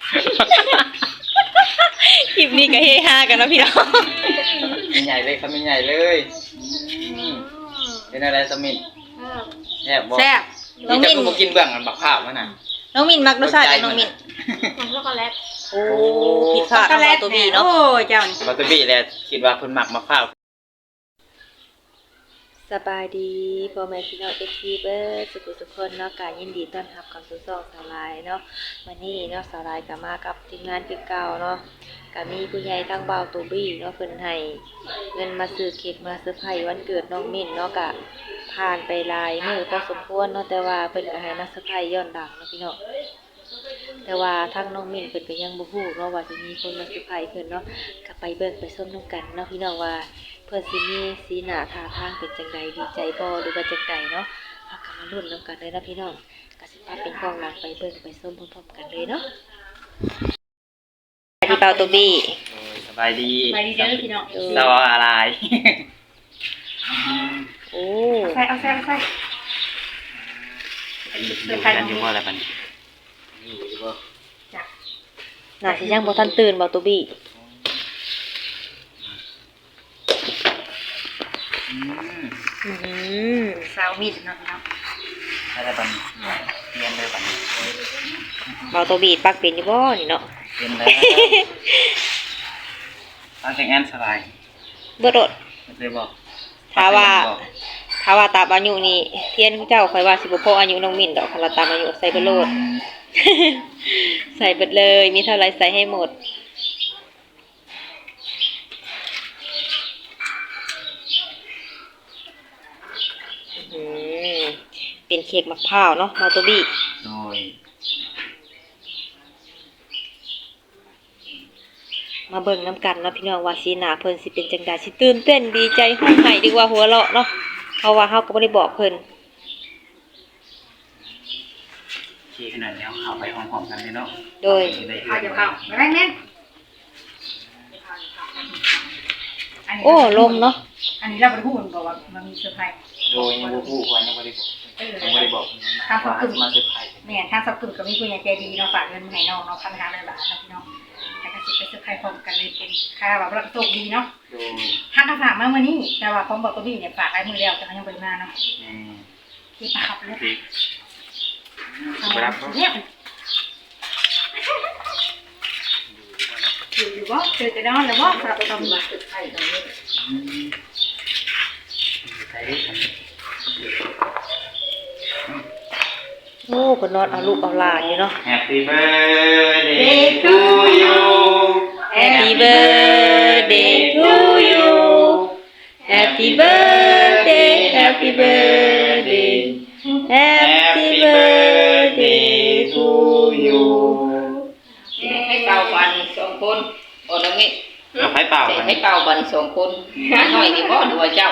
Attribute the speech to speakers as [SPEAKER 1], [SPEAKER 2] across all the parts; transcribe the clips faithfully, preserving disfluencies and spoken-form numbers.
[SPEAKER 1] คลิปนี้ก็เฮฮากันนะพี่น้อง
[SPEAKER 2] ไม่ใหญ่เลยครับไม่ใหญ่เลยเป็นอะไรสมิธแซ่บบ่
[SPEAKER 1] แซ่บน้
[SPEAKER 2] นี่
[SPEAKER 1] อง
[SPEAKER 2] จะ
[SPEAKER 1] มิน
[SPEAKER 2] กูกินเบื้องกันบักข้าวมันน่ะ
[SPEAKER 1] น้องมินมักรสชาติของน้องมิน
[SPEAKER 3] ช็อกโกแลต
[SPEAKER 1] โอ้ผิดพลาดของเราตัวบีเนาะ
[SPEAKER 3] โอ้เจ้า
[SPEAKER 2] บัตเตอร์บี้แหละคิดว่าเพิ่นมักบักข้าว
[SPEAKER 1] สบายดีพ่อแม่พี่น้องเอฟซีเบิร์ดสุขุสุขคนเนาะการยินดีต้อนรับเข้าสู่ช่องสาวลายเนาะวันนี้เนาะสาวลายก็มากับทีมงานคือเก่าเนาะก็มีผู้ใหญ่ทั้งเบาตัวบี้เนาะเพิ่นให้เงินมาซื้อเค้กมาเซอร์ไพรส์วันเกิดน้องมิ้นเนาะก็ผ่านไปหลายมื้อพอสมควรเนาะแต่ว่าเพิ่นก็ให้มาเซอร์ไพรส์ย้อนหลังเนาะพี่น้องแต่ว่าทางน้องมิ้นเพิ่นก็ยังบ่ฮู้เนาะว่าสิมีคนมาเซอร์ไพรส์เพิ่นเนาะก็ไปเบิ่งไปส้มนํกันเนาะพี่น้องว่าเพื่อนสิมีสีหน้าท่าทางเป็นจังใดดีใจบ่หรือว่าจังใดเนาะพากันมาลุ้นนำกันเลยนะพี่น้องก็สิพาเป็นกองหลังไปเบิ่งไปส้มพร้อมๆกันเลยเนาะที่เป่าตัวบี้
[SPEAKER 2] โอ้ยสบายดี
[SPEAKER 3] ไปดีเด้อพี่น้อง
[SPEAKER 2] สวัสดีอะไร
[SPEAKER 1] โอ้
[SPEAKER 3] ใส่เอาใส่เอาใส่
[SPEAKER 2] อยู่กันอยู่ว่าอะไรปันนี่อยู่บ่
[SPEAKER 3] จ้ะ
[SPEAKER 1] น่าสิยังบ่ทันตื่นเป่าตัวบี้
[SPEAKER 2] อืม
[SPEAKER 1] อือ
[SPEAKER 3] สาวมิดเนาะพี่น้อง
[SPEAKER 2] อะไรปันเรียนเลยปัน
[SPEAKER 1] เป่าตัวบี้ปักเป็นอยู่บ่นี่เนาะ
[SPEAKER 2] เรียนเลยตั้งแต่งานสบาย
[SPEAKER 1] บ่โดด
[SPEAKER 2] เลยบอก
[SPEAKER 1] ถ้าว่าถ้าว่าตามอายุนี่เทียนเจ้าข่อยว่าสิบ่พออายุน้องมิ้นดอกคันว่าตามอายุใส่เบิดโลด ใส่เบิดเลยมีเท่าไรใส่ให้หมดอืมเป็นเค้กมะพร้าวเนาะมาตัวบี้
[SPEAKER 2] โดย
[SPEAKER 1] มาเบิ่งน้ำกันเนาะพี่น้องว่าสีหน้าเพิ่นสิเป็นจังใดสิตื่นเต้นดีใจฮ้องไห้ดีกว่าหัวเราะเนาะเพราะว่าเฮาก็บ่ได้บอกเพิ่น
[SPEAKER 2] ที่ขนาดแล้วเข้าไปห้องๆกันเลยเนาะ
[SPEAKER 1] โดย
[SPEAKER 3] เอาเดี๋ยวเข้าไปแม่งเน้น
[SPEAKER 1] โอ้ลมเนาะ
[SPEAKER 3] อันนี้เราบ่ได้พูดบอกว่ามันมีเซอร์ไพรส์
[SPEAKER 2] โดยยังบ่ฮู้ว่ายังบ่ได้บอกยังบ่ได้บอกว่ามาเซอร์ไพรส์
[SPEAKER 3] แม่ทางสับกึ่งก็มีผู้ใหญ่ใจดีเนาะฝากเงินมาให้น้องเนาะพันห้าร้อยบาทเนาะพี่น้องแต่ก็สิไปเซอร์ไพรส์พร้อมกันเลยเป็นค่าแบบเราโชคดีเนาะ
[SPEAKER 2] โดย
[SPEAKER 3] ทางก็ฝากมามื้อนี้แต่ว่าของบอกตัวพี่เนี่ยฝากไว้มื้อแล้วแต่เขายังบ่ได้มาเนาะ
[SPEAKER 2] อืม
[SPEAKER 3] ที่ปากเลย
[SPEAKER 2] ดีบ่รับเนาะ
[SPEAKER 3] เนี่ยอยู่อยู่บ่เจอจะนอนแล้วบ่ฝากไปทำบัตรเซอร์ไพรส์ตรงนี้
[SPEAKER 2] อืมใส่ดิฉัน
[SPEAKER 1] โอ้เพิ่นนอนเอาลูกเอาหลานอยู่เนาะ
[SPEAKER 2] Happy birthday to you
[SPEAKER 1] Happy birthday to you Happy birthday Happy birthday Happy birthday to you
[SPEAKER 4] ให้เป่าบันสองคนโอ้ดังนี้
[SPEAKER 2] เอาไผเป่ากัน
[SPEAKER 4] ให้เป่าบันสองคนหน่อยนี่บ่ดูว่าเจ้า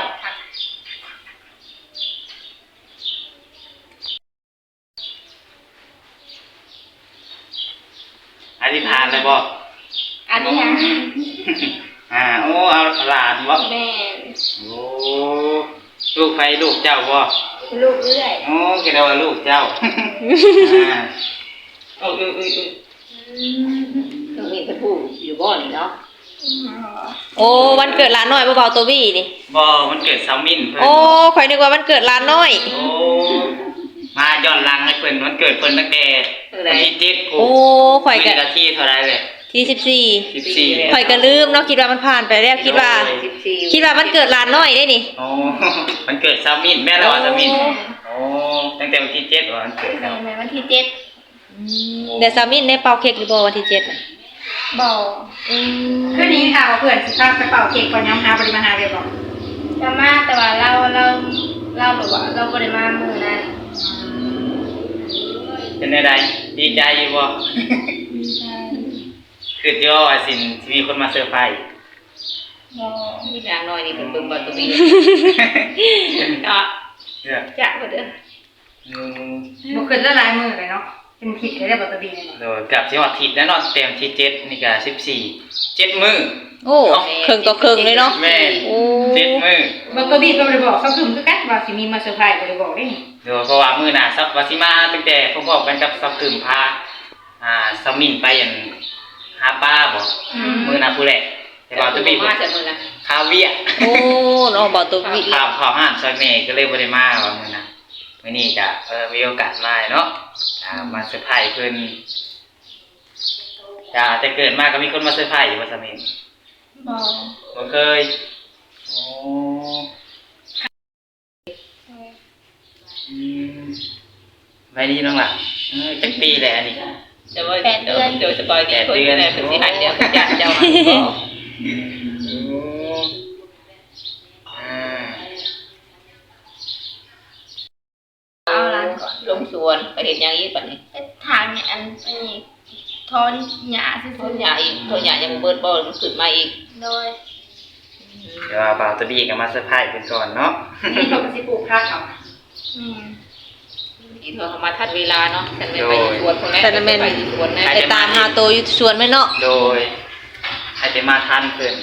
[SPEAKER 2] อธิษฐานเลยบ่
[SPEAKER 4] อันนี้ฮะ
[SPEAKER 2] อ่าโอ้เอาหลานบ่
[SPEAKER 4] แม่
[SPEAKER 2] โอ้ลูกไผลูกเจ้าบ่
[SPEAKER 4] ลูกเอื้อย
[SPEAKER 2] โอ้คิดว่าลูกเจ้าอ่าโอ้ยๆๆ
[SPEAKER 4] ตรงนี้เป็นผู้อยู่บ่นี่เนาะ
[SPEAKER 1] โอ้วันเกิดหลานน้อยเบาๆตัวบี้นี่
[SPEAKER 2] บ่มันเกิดซามินเพิ่น
[SPEAKER 1] โอ้ข่อยนึกว่าวันเกิดหลานน้อย
[SPEAKER 2] โอ้มาย้อนหลังให้เพิ่นวันเกิดเพิ่นตั้งแต่วันที่เจ็ด
[SPEAKER 1] โอ้ข่อยก็
[SPEAKER 2] นาทีเท่าไหร่เลย
[SPEAKER 1] ที่สิบสี่
[SPEAKER 2] สิบสี่
[SPEAKER 1] ข่อยก็ลืมเนาะคิดว่ามันผ่านไปแล้วคิดว่า
[SPEAKER 4] สิบสี่
[SPEAKER 1] คิดว่ามันเกิดหลานน้อยได้นี่
[SPEAKER 2] โอ้มันเกิดซามินแม่เราว่าซามินโอ้ตั้งแต่วันที่เจ็ดว่ามันเกิดแล้ว
[SPEAKER 4] แม่วันที่เจ็ด
[SPEAKER 1] เดี๋ยวซามินได้เป่าเค้กหรือบ่วันที่เจ็ดน่ะ
[SPEAKER 3] บ่
[SPEAKER 1] อืม
[SPEAKER 3] คืนนี้ค่ะว่าเพื่อนสิพาไปเป่าเค้กก่อนย้ำหาบริมาหาเรียบร้อย
[SPEAKER 4] จะมาแต่ว่าเราเราเราแบบว่าเราบ่ได้มามื้อนั้น
[SPEAKER 2] เป็นไงดีใจอยู่บ่คือเดียวว่าสินสิมีคนมาเซอร์ไพรส์
[SPEAKER 4] มีอย่างน้อยนี่เพิ่นเบิ่งบ่ตัวนี้เนาะ
[SPEAKER 2] เนี่ย
[SPEAKER 4] จะบ่เด้อ
[SPEAKER 2] อืม
[SPEAKER 3] บ่เกินละลายมือเลยเนาะเป็นผิดเลยได้บ่ตัวดีเนี่ย
[SPEAKER 2] โดยกับสิฮอดทิศแล้วเนาะเต็มที่เจ็ดนี่ก็สิบสี่ เจ็ดมื้อ
[SPEAKER 1] โอ้ครึ่งต่อครึ่งเลยเนาะ
[SPEAKER 2] แม่น
[SPEAKER 1] โอ้
[SPEAKER 2] เจ็ดมื้อ
[SPEAKER 3] บ่ตัวดีก็บ่ได้บอกเขาคือคือกันว่าสิมีมาเซอร์ไพรส์บ่ได้บอกเด้
[SPEAKER 2] เดี๋ยวเพราะว่ามื้อหน้าซับว่าสิมาตั้งแต่พร้อมๆกันกับซับคืมพาอ่าสมิงไปอันหาป้าบ่มื้อน่ะผู้แหละแต่ว่าตัวบี้
[SPEAKER 4] มาจากมื้อน่ะ
[SPEAKER 2] คาเวีย
[SPEAKER 1] โอ้น้องบ่าวตัววิ
[SPEAKER 2] ข้าวข้าวห้านซอยแม่ก็เลยบ่ได้มาว่ามื้อน่ะมื้อนี้ก็เออมีโอกาสมาเนาะอ่ามาเซอร์ไพรส์เพิ่นจ้าแต่เกิดมาก็มีคนมาเซอร์ไพรส์อยู่ว่าสมิง
[SPEAKER 3] บ่
[SPEAKER 2] บ่เคยโอ้อืมไปดีน้องล่ะเออจักปีแหละอันนี้
[SPEAKER 4] จะว่าเดี๋ยวเดี๋ยวสปอยล์คนอะไรเป็นสิหันเดียวกับญาติเจ้ามา
[SPEAKER 2] โอ้อ่า
[SPEAKER 5] เอาร้านก่อน
[SPEAKER 4] ลงสวนไปเห็นอย่างนี้ปัดนี้
[SPEAKER 5] ไอ้ทางเนี่ยอันอันนี้ทอนหญ้าซื่
[SPEAKER 4] ต้
[SPEAKER 5] อน
[SPEAKER 4] ใหญ่ต้นใหญ่ยังเบิดบอลมันขึ้นมาอีก
[SPEAKER 5] ๆโดย
[SPEAKER 2] เดี๋ยวเอาบ่าวตัวบี้ก็มาเซอร์ไพรส์เพิ่นก่อนเนาะ
[SPEAKER 3] นี่เขาก็สิปลูกผักเอา
[SPEAKER 5] อืม
[SPEAKER 4] อีเธอเขามาทัดเวลาเนาะฉันไม่ไปสวนคนแรกไปสวนนะ
[SPEAKER 1] ไปตามหาโตอยู่สวนแม่เนาะ
[SPEAKER 2] โดยให้ไปมาทันเพิ่น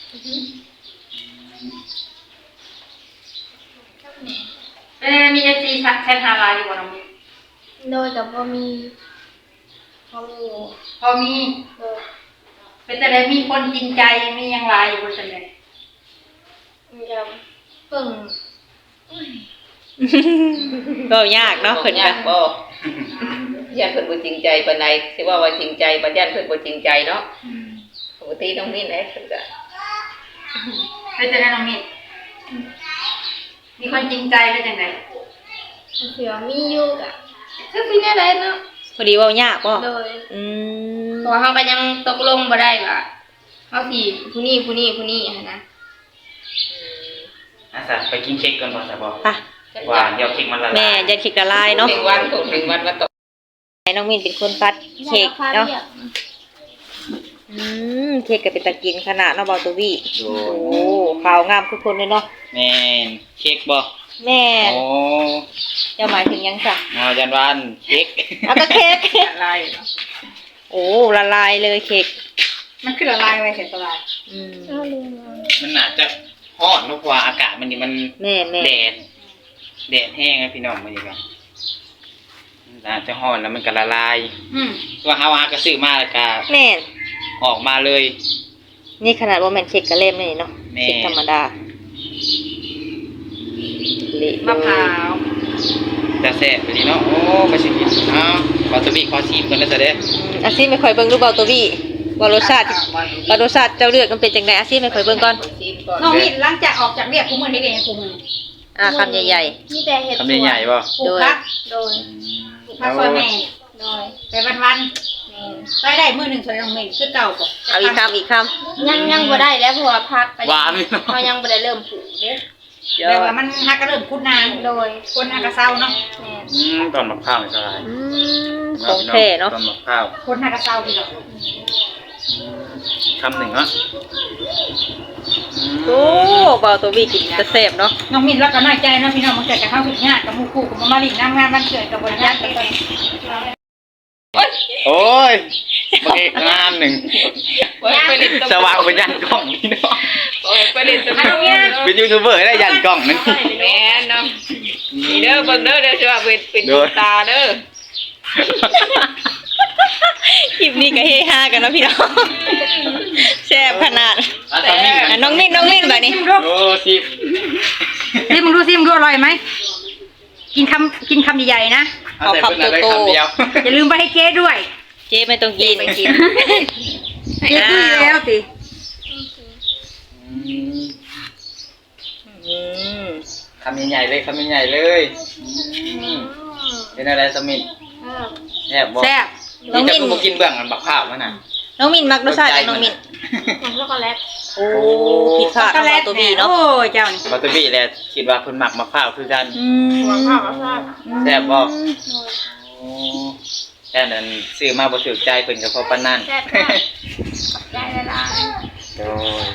[SPEAKER 3] เออมี เอฟ ซี แชทหาไลน์อยู่บ่น้องมี
[SPEAKER 5] โดยกับพอมีพอมีอยู่
[SPEAKER 3] พอมี
[SPEAKER 5] โดย
[SPEAKER 3] เป็นแต่ได้มีคนจริงใจมีหยังหลายอยู่บ่ซั่นเลย
[SPEAKER 5] มีกับเพิ่ง
[SPEAKER 1] ก็ยากเนาะเพิ่น
[SPEAKER 4] ยา
[SPEAKER 1] ก็
[SPEAKER 4] กบ่ญาติเพิ่นบ่จริงใจปานใดสิว่าว่าจริงใจปานญาติเพิ่นบ่จริงใจเนาะปกติต้องมีแหละเพิ่นก็
[SPEAKER 3] เป็นแต่ได้น้องมีมีคนจริงใจได้จังได๋
[SPEAKER 5] เสือมีอยู่กะคือพี่แน่ได้เนาะ
[SPEAKER 1] พอดีเว้ายากบ่
[SPEAKER 5] โดย
[SPEAKER 1] อืม
[SPEAKER 5] เพราะว่าเขาก็ยังตกลงบ่ได้ว่าเขาสิผู้นี้ผู้นี้ผู้นี้หันนะ
[SPEAKER 2] อาสาไปกินเค้กก่อนบ่ซะบ่
[SPEAKER 1] ไป
[SPEAKER 2] ว่าเดี๋ยวเค้กมันละลาย
[SPEAKER 1] แม่ยันเค้กละลายเนาะ
[SPEAKER 4] ถึงวันถูกถึงวันมาตก
[SPEAKER 1] ให้น้องมินเป็นคนปัดเค้กเนาะ
[SPEAKER 5] อยก
[SPEAKER 1] อืมเค้กก็เป็นตะกินขนาดเนาะบ่าวตัววิ
[SPEAKER 2] โด
[SPEAKER 1] โอ้
[SPEAKER 2] ย
[SPEAKER 1] ขาวงามทุกคนเลยเนาะ
[SPEAKER 2] แม่นเค้กบ่
[SPEAKER 1] แม่
[SPEAKER 2] โอ้
[SPEAKER 1] เจ้าหมายถึงหยังจ้ะ
[SPEAKER 2] เอาจันวานเค้ก
[SPEAKER 1] เอาก็เค้ก
[SPEAKER 3] ละลายเนาะ
[SPEAKER 1] โอ้ละลายเลยเค้ก
[SPEAKER 3] มันคือละลายไว้เสร็จละลาย
[SPEAKER 1] อืม
[SPEAKER 5] เอาลืมเอา
[SPEAKER 2] มันอาจจะร้อนเนอะเพราะว่าอากาศมันนี่มัน
[SPEAKER 1] แม่แม่
[SPEAKER 2] แดดแดดแห้งนะพี่น้องมันนี่ก็มันอาจจะร้อนแล้วมันก็ละลาย
[SPEAKER 3] อืม
[SPEAKER 2] ว่าเฮาหากระซื้อมาแล้วก็
[SPEAKER 1] แม่
[SPEAKER 2] ออกมาเลย
[SPEAKER 1] นี่ขนาดว่าแม่นเค้กกะเล่มนี่เนาะ
[SPEAKER 2] แม่
[SPEAKER 1] เค้กธรรมดาเละ
[SPEAKER 3] มะพร้าว
[SPEAKER 2] แต่แซ่บไปดีเนาะโอ้ไปสิกินเอ้าขอตัวบีขอชิมกันแล้วจะได้
[SPEAKER 1] อืมอาซีไม่ค่อยเบิ่งรูปเบาตัววี่ว่ารสชาติว่ารสชาติเจ้าเลือดมันเป็นจังไดอาซีไม่ค่อยเบิ่งก่อน
[SPEAKER 4] ซีนก่อน
[SPEAKER 3] น้องมีหลังจากออกจากเรียกกูมื้อนี้เองกูมื้อนี้
[SPEAKER 1] อ่าคำใหญ่
[SPEAKER 5] มีแต่เห็ด
[SPEAKER 2] คำใหญ่ๆป่ะ
[SPEAKER 3] ปลูกผัก
[SPEAKER 5] โดย
[SPEAKER 3] ปลูกผักซอยแม่
[SPEAKER 5] โดย
[SPEAKER 3] ไปวัน
[SPEAKER 5] แม่น
[SPEAKER 3] ๆไปได้มื้อหนึงซอยน้องเมนคือเก่าบ่
[SPEAKER 1] ๆเอาอีกคำอีกค
[SPEAKER 5] ยังยังบ่ได้แล้วเพราะว่าพักไป
[SPEAKER 2] หวานเลยเนาะ
[SPEAKER 5] เขายังบ่ได้เริ่มปลูกเด้
[SPEAKER 1] ำเดี๋ยว
[SPEAKER 3] แต่ว่ามันฮักก็เริ่มคุดนาง
[SPEAKER 5] โดย
[SPEAKER 3] คนฮักก็เศร้าเนาะ
[SPEAKER 5] แม่น
[SPEAKER 2] อืมตอนมะพร้าวนี่สลาย
[SPEAKER 1] อืมของแท้เนาะ
[SPEAKER 2] ตอนมะพร้าว
[SPEAKER 3] คนฮักก็เศร้าพี่น้อง
[SPEAKER 2] คำหนึ่งเนาะ
[SPEAKER 1] โอ้เบาตัววี่กินจะแซ่บเนาะ
[SPEAKER 3] น้องมินแล้วก็น้อยใจเนาะพี่น้องมันเกิดจากข้าวผิดงานกับหมู่คู่กับมาลิงน้ำงานวันเกิดกับบริญาตกันเลย
[SPEAKER 2] โอ้ยเมื่อกี้งามหนึ่ง
[SPEAKER 4] ไปเล่น
[SPEAKER 2] สว่างเป็นยันกล้องนี่เนาะ
[SPEAKER 4] ไปเล่นตะ
[SPEAKER 2] เป็นยูทูบเบอร์ได้ยันกล้องนั่น
[SPEAKER 4] แม่เนาะนี่เด้อเบิ่งเด้อเด้อสิว่าเป็นเป็นตาเด้อ
[SPEAKER 1] คลิปนี้ก็เฮฮากันเนาะพี่น้องแซ่บขนาด
[SPEAKER 2] อ่ะตอนนี้
[SPEAKER 1] อ่ะน้องมินน้องมินแบบนี้
[SPEAKER 3] ซิมดู
[SPEAKER 2] โอ้สิบ
[SPEAKER 3] ซิมดูซิมดูอร่อยไหมกินคำกินคำใหญ่ๆนะ
[SPEAKER 2] เอาแต่เป็นอะไรคำเดียว
[SPEAKER 3] อย่าลืมไปให้เจ๊ด้วย
[SPEAKER 1] เจ๊ไม่ต้องกิน
[SPEAKER 4] ไปกิน
[SPEAKER 3] เจ๊คุยแล้วสิ
[SPEAKER 1] อืม
[SPEAKER 2] คำใหญ่ๆเลยคำใหญ่ๆเลยอืมเป็นอะไรสมิธ
[SPEAKER 5] เออ
[SPEAKER 2] แซ่บบ่
[SPEAKER 3] แซ่บ
[SPEAKER 2] นี่จะกูมากินเบื้องกันบักข้าวมั้ยน่ะ
[SPEAKER 1] น้องมินมักรสชาติของน้องมิน
[SPEAKER 5] ของช็อกโกแลต
[SPEAKER 1] โอ้ผิดพลาด
[SPEAKER 3] ช็อกโก
[SPEAKER 1] เนาะ
[SPEAKER 3] แล
[SPEAKER 1] เบา
[SPEAKER 3] ต
[SPEAKER 1] ตัววี่เนาะ
[SPEAKER 3] โอ้ยเจ้านี่
[SPEAKER 2] บัตเตอร์บี้แหละคิดว่าเพิ่นมักบักข้าวคือกัน
[SPEAKER 1] อืม
[SPEAKER 5] หัวข้าวก็ทราบ
[SPEAKER 2] แซ่บบ่
[SPEAKER 5] โดย
[SPEAKER 2] โอ้แค่นั้นซื้อมาบ่ถูกใจเพิ่นก็พอปานนั้น
[SPEAKER 5] แซ่บมากได้เวลา
[SPEAKER 2] โดย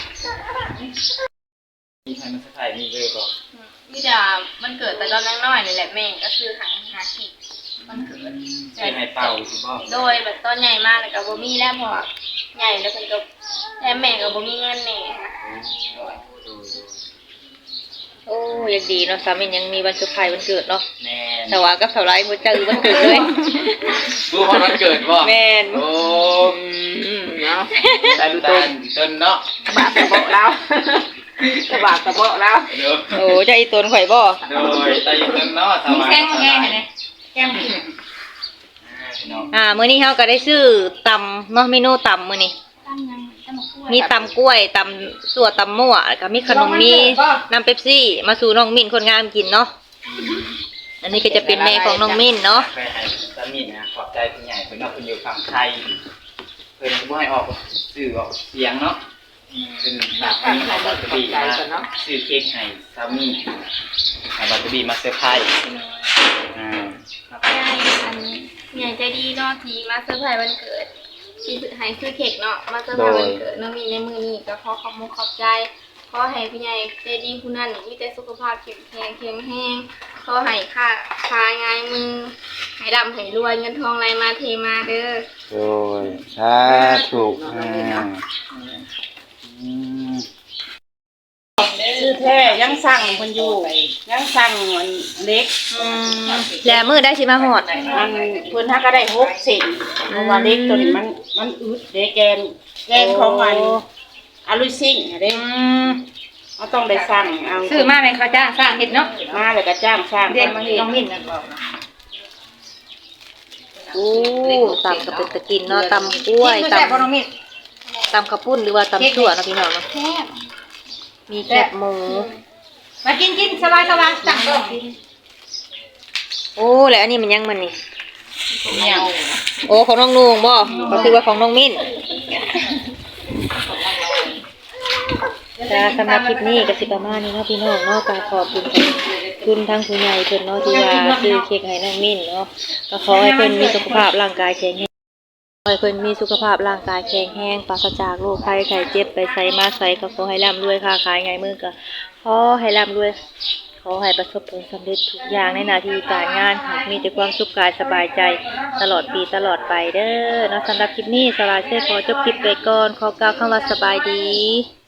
[SPEAKER 2] มีใครมันสักไผมีเลยบ่
[SPEAKER 5] มีแต่มันเกิดแต่ตอนน้อยๆนี่แหละแม่ก็คือหาหาเค้กมันเกิด
[SPEAKER 2] ใช่ให้เป่าสิบ่
[SPEAKER 5] โดยแบบต้นใหญ่มากเลยกับบ่มีแล้วเพอใหญ่แล้วเพิ่นก็แต่แม่ก็บ่มีเงินแน่ค่ะ
[SPEAKER 2] โดยโดย
[SPEAKER 1] โอ้ยังดีเนาะสามียังมีวันเซอร์ไพรส์วันเกิดเนาะ
[SPEAKER 2] แม่น
[SPEAKER 1] แต่ว่ากับสาวไลฟ์บ่เจอวันเกิดเลย
[SPEAKER 2] ดูฮอดวันเกิดบ่
[SPEAKER 1] แม่น
[SPEAKER 2] โอ้
[SPEAKER 4] อืมเนาะ
[SPEAKER 2] ตาดูตาต้นเนาะ
[SPEAKER 4] บาปกระเบาะแล้วกระบาดกระเบาะแล้ว
[SPEAKER 2] เด้อ
[SPEAKER 1] โอ้เจะอีตนข่อยบ่
[SPEAKER 2] โดยตาอยู่ต้นเนาะส
[SPEAKER 3] มี
[SPEAKER 2] บาย
[SPEAKER 3] แก้งมาแก้งไหนแก้งกิน
[SPEAKER 2] พี่น้อง
[SPEAKER 1] อ่ามื้อนี้เฮาก็ได้ซื้อตำเนาะเมนูตำมื้อนี้
[SPEAKER 5] ตั้งยังตั้งมากล้วย
[SPEAKER 1] มีตำกล้วยตำสั่วตำมั่วแล้วก็มีขนมมีน้ำเป๊ปซี่มาสู่น้องมิ้นคนงามกินเนาะอันนี้ก็จะเป็นแม่ของน้องมิ้นเนาะ
[SPEAKER 2] ไปให้สามีนะขอบใจผู้ใหญ่เพิ่นเนาะเพิ่นอยู่ฝั่งไทยเพิ่นบ่ให้ออกสื่อออกเสียงเนาะเพิ่นฝากให้เอาบัตรบีมาซื้อเค้กให้สามีให้บัตรบีมาเซอร์ไพรส์อ่าครับ
[SPEAKER 5] ใช่อันใหญ่ใจดีเนาะทีมาเซอร์ไพรส์วันเกิดที่ให้ซื้อเค้กเนาะมาเซอร์ไพรส์วันเกิดน้องมีในมือนี้ก็ขอขอบคุณขอบใจขอให้พี่ใหญ่ใจดีผู้นั้นมีแต่สุขภาพแข็งแรงแข็งแรงขอให้ค่าคาง่ายมือให้ร่ำให้รวยเงินทองไหลมาเทมาเด้อ
[SPEAKER 2] โดยสาธุอ่าอืม
[SPEAKER 4] ชื่อแท้ยังสั่งคนอยู่ยังสั่งมันเล็ก
[SPEAKER 1] แล้วมื้อได้สิมาฮอด
[SPEAKER 4] มันเพิ่นถ้าก็ได้หกเซนเพราะว่าเล็กตัวนี้มันมันอึดเด้แกนแกนของมันอาลุยซิ่งเด้
[SPEAKER 1] อืม
[SPEAKER 4] เราต้องได้สั่งเอา
[SPEAKER 3] ซื้อมาให้เขาจ้างสร้างเฮ็ดเนาะ
[SPEAKER 4] มาแล้วก็จ้างสร้าง
[SPEAKER 3] เด็ก
[SPEAKER 4] มาเฮ็ด
[SPEAKER 3] น้องมิ้นนั่นบอกนะ
[SPEAKER 1] โอ้ตำก็เป็นตะกินเนาะตำกล้วย
[SPEAKER 3] กิน
[SPEAKER 1] ต
[SPEAKER 3] แซ่บบ่น้องมิ้น
[SPEAKER 1] ำตำข้าวปุ้นหรือว่าตำสั่วเนาะพี่น้องเนาะ
[SPEAKER 5] แซ่บ
[SPEAKER 1] มีแคบหมู
[SPEAKER 3] มากินกินสบายสบายสั่งเด้อ
[SPEAKER 1] โอ้แล้วอันนี้มันยังมันนี่
[SPEAKER 4] เนี่ย
[SPEAKER 1] โอ้ของน้องนุ่งบ่ก็คือว่าของน้องมิ้นจ้าสำหรับคลิปนี้ก็สิประมาณนี้เนาะพี่น้องเนาะก็ขอบคุณคุณทั้งผู้ใหญ่เพิ่นเนาะที่ว่าซื้อเค้กให้น้องมิ้นเนาะก็ขอให้เพิ่นมีสุขภาพร่างกายแข็งแรงขอให้เพิ่นมีสุขภาพร่างกายแข็งแรงปราศจากโรคภัยไข้เจ็บไปไสมาไสก็ขอให้ร่ำรวยค้าขายไงมือก็ขอให้ร่ำรวยขอให้ประสบผลสำเร็จทุกอย่างในหน้าที่การงานหากมีแต่ความสุขกายสบายใจตลอดปีตลอดไปเด้อเนาะสำหรับคลิปนี้สลายเซ่ขอจบคลิปไปก่อนขอกล่าวคำว่าสบายดี